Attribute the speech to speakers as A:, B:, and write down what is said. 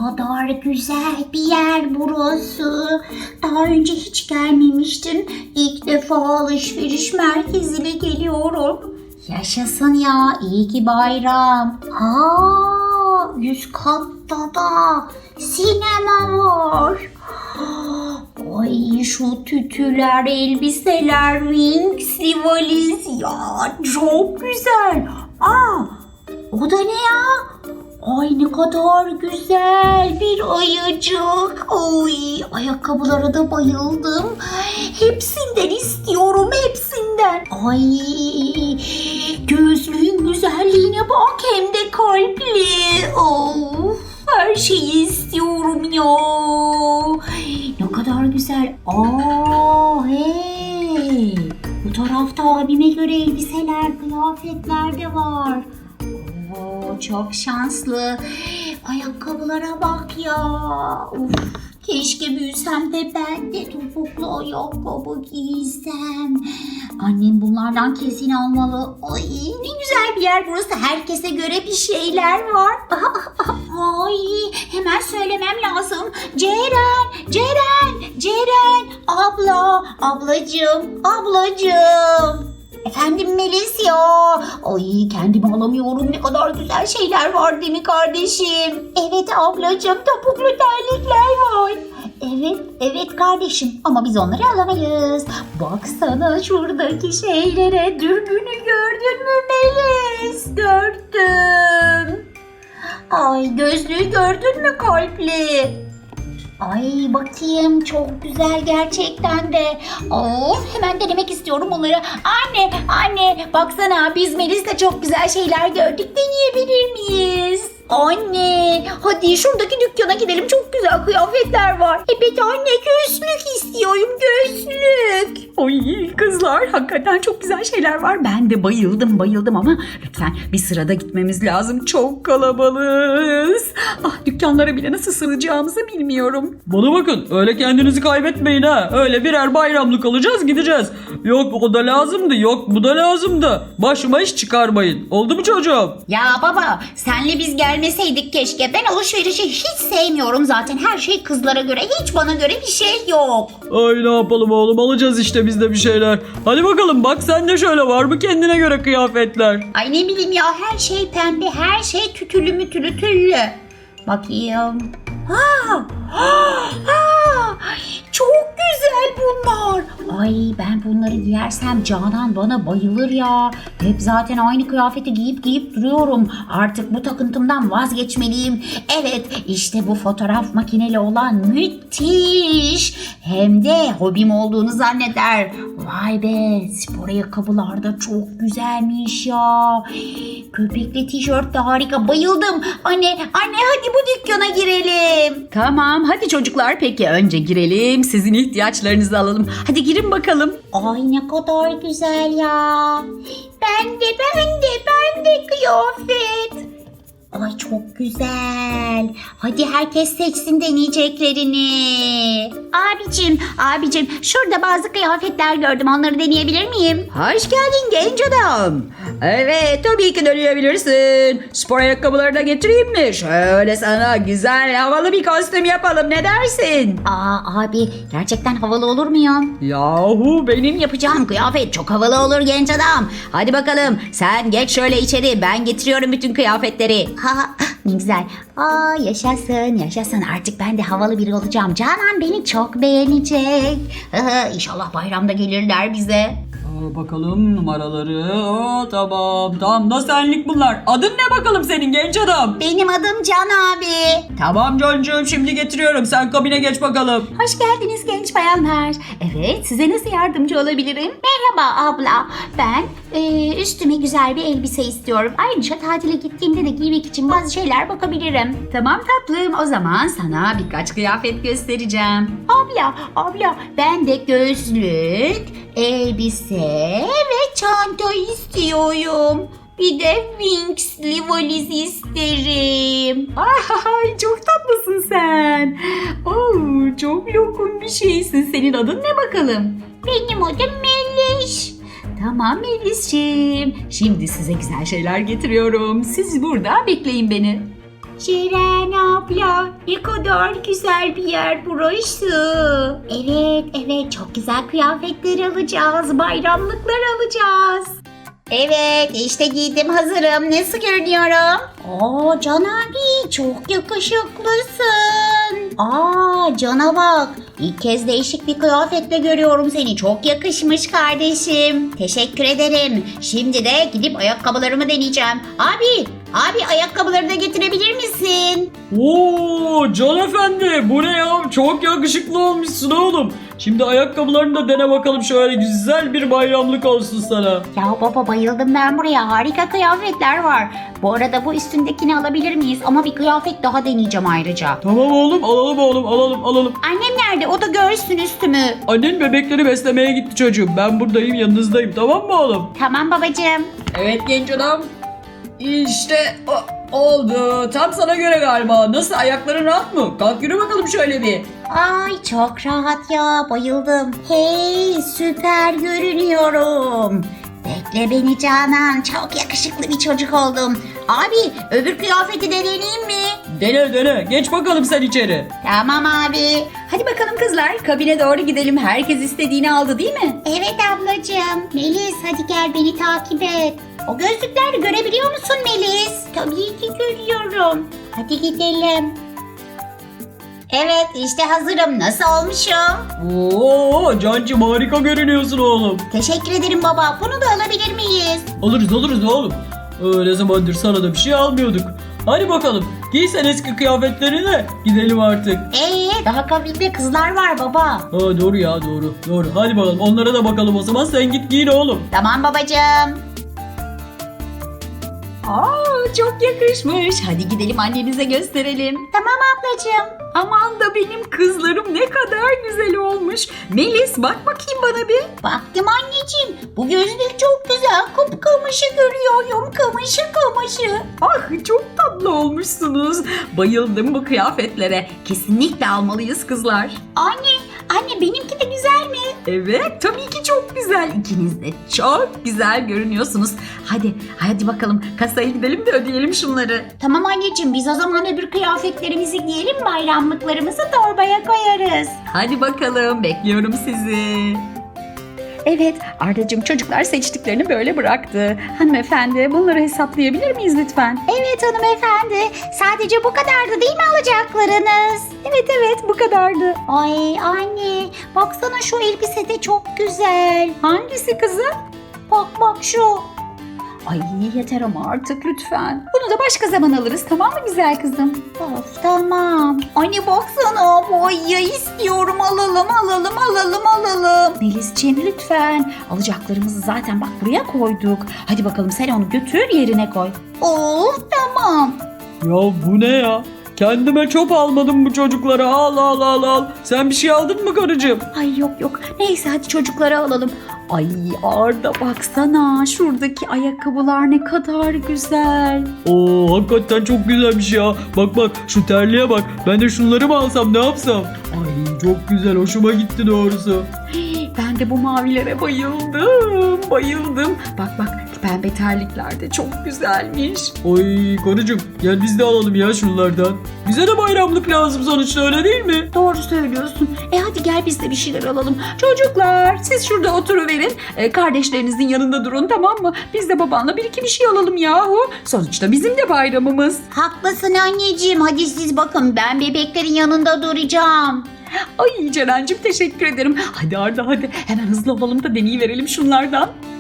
A: kadar güzel bir yer burası. Daha önce hiç gelmemiştim. İlk defa alışveriş merkezine geliyorum. Yaşasın ya, iyi ki bayram. Üst katta da sinema var. Ay şu tütüler, elbiseler, Winx'li valiz ya çok güzel. O da ne ya? Ay ne kadar güzel bir ayıcık. Oy, ayakkabılara da bayıldım. Hepsinden istiyorum, hepsinden. Ay, gözlüğün güzelliğine bak, hem de kalpli. Of, her şeyi istiyorum ya. Ne kadar güzel. Hey. Bu tarafta abime göre elbiseler, kıyafetler de var. Çok şanslı. Ayakkabılara bak ya. Uf, keşke büyüsem de ben de topuklu ayakkabı giysem. Annem bunlardan kesin almalı. Ay ne güzel bir yer burası. Herkese göre bir şeyler var. Ay hemen söylemem lazım. Ceren. Ablacığım. Efendim Melis ya. Ay kendimi alamıyorum. Ne kadar güzel şeyler var değil mi kardeşim? Evet ablacığım, topuklu terlikler var. Evet kardeşim, ama biz onları alamayız. Baksana şuradaki şeylere. Dürbünü gördün mü Melis? Gördüm. Ay gözlüğü gördün mü kalpli? Ay bakayım, çok güzel gerçekten de. Hemen denemek istiyorum onları. Anne baksana, biz Melis'le çok güzel şeyler gördük. Deneyebilir miyiz? Anne hadi şuradaki dükkana gidelim, çok güzel kıyafetler var. Evet anne, gözlük istiyorum, gözlük.
B: Ay kızlar, hakikaten çok güzel şeyler var. Ben de bayıldım ama lütfen bir sırada gitmemiz lazım. Çok kalabalığız. Dükkanlara bile nasıl sığacağımızı bilmiyorum.
C: Bana bakın, öyle kendinizi kaybetmeyin ha. Öyle birer bayramlık alacağız, gideceğiz. Yok o da lazımdı, yok bu da lazımdı. Başıma iş çıkarmayın. Oldu mu çocuğum?
A: Ya baba, senle biz gelmeseydik keşke. Ben alışverişi hiç sevmiyorum zaten. Her şey kızlara göre, hiç bana göre bir şey yok.
C: Ay ne yapalım oğlum, alacağız işte biz de bir şeyler. Hadi bakalım, bak sen de şöyle, var mı kendine göre kıyafetler?
A: Ay ne bileyim ya, her şey pembe, her şey tütülü mütülü tüllü. Bakayım. Çok güzel bunlar. Ay ben bunları giyersem Canan bana bayılır ya. Hep zaten aynı kıyafeti giyip duruyorum. Artık bu takıntımdan vazgeçmeliyim. Evet, işte bu fotoğraf makineli olan müthiş. Hem de hobim olduğunu zanneder. Vay be, spor ayakkabılar da çok güzelmiş ya. Köpekli tişört de harika, bayıldım. Anne hadi bu dükkana girelim.
B: Tamam hadi çocuklar, peki önce girelim, sizin ihtiyaçlarınızı alalım. Hadi girin bakalım.
A: Ay ne kadar güzel ya. Ben de kıyafet. Ay çok güzel. Hadi herkes seçsin deneyeceklerini. Abicim şurada bazı kıyafetler gördüm. Onları deneyebilir miyim?
B: Hoş geldin genç adam. Evet, tabii ki deneyebilirsin. Spor ayakkabıları da getireyim mi? Şöyle sana güzel havalı bir kostüm yapalım, ne dersin?
A: Abi gerçekten havalı olur mu ya?
B: Yahu benim yapacağım kıyafet çok havalı olur genç adam. Hadi bakalım sen geç şöyle içeri, ben getiriyorum bütün kıyafetleri.
A: Ne güzel. Yaşasın. Artık ben de havalı biri olacağım. Canan beni çok beğenecek. İnşallah bayramda gelirler bize.
C: Bakalım numaraları. Tamam da senlik bunlar. Adın ne bakalım senin genç adam?
A: Benim adım Can abi.
C: Tamam Can'cığım, şimdi getiriyorum, sen kabine geç bakalım.
B: Hoş geldiniz genç bayanlar. Evet, size nasıl yardımcı olabilirim?
A: Merhaba abla. Ben üstüme güzel bir elbise istiyorum. Ayrıca tatile gittiğimde de giymek için bazı şeyler bakabilirim.
B: Tamam tatlım, o zaman sana birkaç kıyafet göstereceğim.
A: Abla ben de gözlük, elbise ve çanta istiyorum. Bir de Winx'li valiz isterim.
B: Ay çok tatlısın sen. Çok lokum bir şeysin. Senin adın ne bakalım?
A: Benim adım Melis.
B: Tamam Melis'ciğim. Şimdi size güzel şeyler getiriyorum. Siz burada bekleyin beni.
A: Ceren abla, ne kadar güzel bir yer burası. Evet, evet, çok güzel kıyafetler alacağız, bayramlıklar alacağız. Evet, işte giydim, hazırım. Nasıl görünüyorum? Aa, Can abi, çok yakışıklısın. Aa, Can'a bak. İlk kez değişik bir kıyafetle görüyorum seni. Çok yakışmış kardeşim. Teşekkür ederim. Şimdi de gidip ayakkabılarımı deneyeceğim. Abi ayakkabıları da getirebilir misin?
C: Oo Can Efendi, bu ne ya? Çok yakışıklı olmuşsun oğlum. Şimdi ayakkabılarını da dene bakalım, şöyle güzel bir bayramlık olsun sana.
A: Ya baba, bayıldım ben buraya. Harika kıyafetler var. Bu arada bu üstündekini alabilir miyiz? Ama bir kıyafet daha deneyeceğim ayrıca.
C: Tamam oğlum, alalım oğlum, alalım.
A: Annem nerede? O da görsün üstümü.
C: Annen bebekleri beslemeye gitti çocuğum. Ben buradayım, yanınızdayım, tamam mı oğlum?
A: Tamam babacığım.
C: Evet genç adam. İşte oldu. Tam sana göre galiba. Nasıl, ayakların rahat mı? Kalk yürü bakalım şöyle bir.
A: Ay çok rahat ya, bayıldım. Hey, süper görünüyorum. Bekle beni Canan, çok yakışıklı bir çocuk oldum. Abi, öbür kıyafeti de deneyeyim mi?
C: Dene. Geç bakalım sen içeri.
A: Tamam abi.
B: Hadi bakalım kızlar, kabine doğru gidelim. Herkes istediğini aldı değil mi?
A: Evet ablacığım. Melis, hadi gel beni takip et. O gözlükleri görebiliyor musun Melis? Tabii ki görüyorum. Hadi gidelim. Evet, işte hazırım. Nasıl olmuşum?
C: Oo Cancım, harika görünüyorsun oğlum.
A: Teşekkür ederim baba. Bunu da alabilir miyiz?
C: Alırız oğlum. Ne zamandır sana da bir şey almıyorduk. Hadi bakalım, giy sen eski kıyafetlerini de gidelim artık.
A: Daha kabinde kızlar var baba.
C: Doğru ya, doğru. Hadi bakalım, onlara da bakalım o zaman, sen git giyin oğlum.
A: Tamam babacığım.
B: Aa, çok yakışmış. Hadi gidelim annemize gösterelim.
A: Tamam ablacığım.
B: Aman da benim kızlarım ne kadar güzel olmuş. Melis, bak bakayım bana bir.
A: Baktım anneciğim. Bu gözlük çok güzel. Kıpkırmızı görüyorum. Kımışı.
B: Ah, çok tatlı olmuşsunuz. Bayıldım bu kıyafetlere. Kesinlikle almalıyız kızlar.
A: Anne benimki de güzel mi?
B: Evet, tabii ki çok güzel. İkiniz de çok güzel görünüyorsunuz. Hadi bakalım kasaya gidelim de ödeyelim şunları.
A: Tamam anneciğim, biz o zaman öbür kıyafetlerimizi giyelim, bayramlıklarımızı torbaya koyarız.
B: Hadi bakalım, bekliyorum sizi. Evet, Ardacığım, çocuklar seçtiklerini böyle bıraktı. Hanımefendi, bunları hesaplayabilir miyiz lütfen?
A: Evet hanımefendi, sadece bu kadardı değil mi alacaklarınız?
B: Evet, bu kadardı.
A: Ay anne, baksana şu elbise de çok güzel.
B: Hangisi kızım?
A: Bak şu.
B: Ay yeter ama artık lütfen. Bunu da başka zaman alırız, tamam mı güzel kızım?
A: Of tamam. Anne baksana, boya istiyorum, alalım.
B: Melisciğim lütfen. Alacaklarımızı zaten bak buraya koyduk. Hadi bakalım sen onu götür yerine koy.
A: Of tamam.
C: Ya bu ne ya? Kendime çöp almadım bu çocuklara. Al. Sen bir şey aldın mı karıcığım?
B: Ay yok. Neyse hadi çocuklara alalım. Ay Arda baksana şuradaki ayakkabılar ne kadar güzel.
C: Oo hakikaten çok güzelmiş ya. Bak şu terliğe bak. Ben de şunları mı alsam, ne yapsam? Ay çok güzel, hoşuma gitti doğrusu.
B: Ben de bu mavilere bayıldım. Bak pembe terlikler de çok güzelmiş.
C: Oy karıcığım, gel biz de alalım ya şunlardan. Bize de bayramlık lazım sonuçta, öyle değil mi?
B: Doğru söylüyorsun. Hadi gel biz de bir şeyler alalım. Çocuklar siz şurada oturuverin. Kardeşlerinizin yanında durun, tamam mı? Biz de babanla bir iki bir şey alalım yahu. Sonuçta bizim de bayramımız.
A: Haklısın anneciğim, hadi siz bakın, ben bebeklerin yanında duracağım.
B: Ay Ceren'cim teşekkür ederim. Hadi Arda hadi hemen hızlı olalım da deneyiverelim şunlardan.